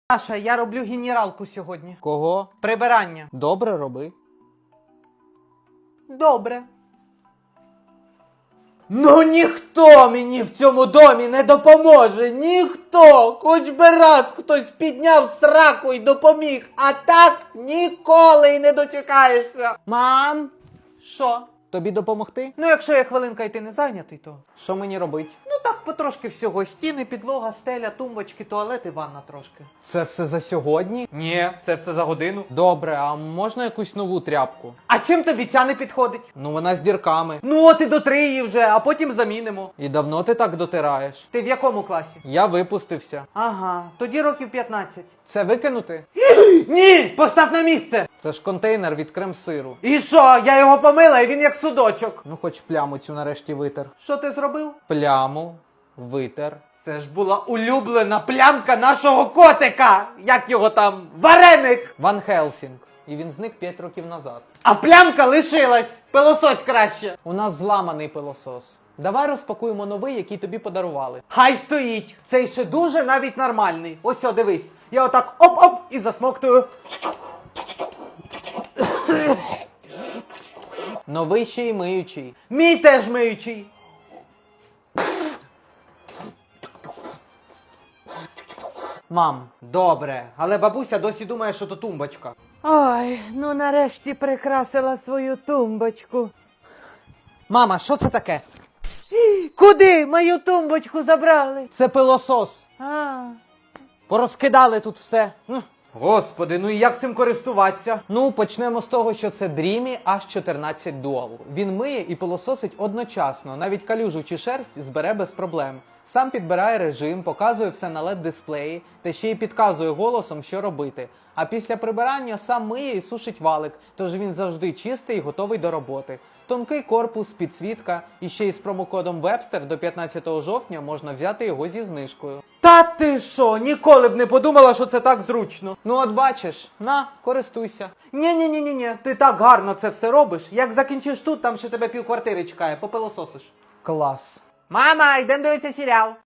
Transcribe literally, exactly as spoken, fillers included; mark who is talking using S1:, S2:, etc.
S1: Саша, я роблю генералку сьогодні.
S2: Кого?
S1: Прибирання.
S2: Добре, роби.
S1: Добре.
S3: Ну ніхто мені в цьому домі не допоможе, ніхто, хоч би раз хтось підняв сраку і допоміг, а так ніколи й не дочекаєшся.
S1: Мам, що?
S2: Тобі допомогти?
S1: Ну, якщо я хвилинка і ти не зайнятий, то...
S2: Що мені робить?
S1: Ну так, потрошки всього. Стіни, підлога, стеля, тумбочки, туалет і ванна трошки.
S2: Це все за сьогодні?
S1: Ні, це все за годину.
S2: Добре, а можна якусь нову тряпку?
S1: А чим тобі ця не підходить?
S2: Ну вона з дірками.
S1: Ну, от і дотри її вже, а потім замінимо.
S2: І давно ти так дотираєш?
S1: Ти в якому класі?
S2: Я випустився.
S1: Ага, тоді років п'ятнадцять.
S2: Це викинути?
S1: Ні! Постав на місце!
S2: Це ж контейнер від крем-сиру.
S1: І що? Я його помила, і він як судочок.
S2: Ну хоч пляму цю нарешті витер.
S1: Що ти зробив?
S2: Пляму витер.
S1: Це ж була улюблена плямка нашого котика! Як його там? Вареник!
S2: Ван Хелсінг. І він зник п'ять років назад.
S1: А плямка лишилась! Пилосось краще!
S2: У нас зламаний пилосос. Давай розпакуємо новий, який тобі подарували.
S1: Хай стоїть! Цей ще дуже навіть нормальний. Ось о, дивись. Я отак оп-оп і засмоктую.
S2: Новий ще й миючий.
S1: Мій теж миючий.
S2: Мам,
S1: Добре, але бабуся досі думає, що то тумбочка.
S3: Ой, ну нарешті прикрасила свою тумбочку.
S2: мама, що це таке?
S1: Куди мою тумбочку забрали?
S2: Це пилосос.
S1: А.
S2: Порозкидали тут все. Ух.
S1: Господи, ну і як цим користуватися?
S2: Ну, почнемо з того, що це Dreamy аш чотирнадцять Dual. Він миє і пилососить одночасно, навіть калюжу чи шерсть збере без проблем. Сам підбирає режим, показує все на лед дисплеї та ще й підказує голосом, що робити. А після прибирання сам миє і сушить валик, тож він завжди чистий і готовий до роботи. Тонкий корпус, підсвітка і ще й з промокодом Webster до п'ятнадцятого жовтня можна взяти його зі знижкою.
S1: Та ти що, ніколи б не подумала, що це так зручно.
S2: Ну от бачиш, на, користуйся.
S1: Ні-ні-ні-ні, ти так гарно це все робиш. Як закінчиш тут, там ще тебе півквартири чекає, попилососиш.
S2: Клас.
S1: Мама, йдемо дивитися серіал.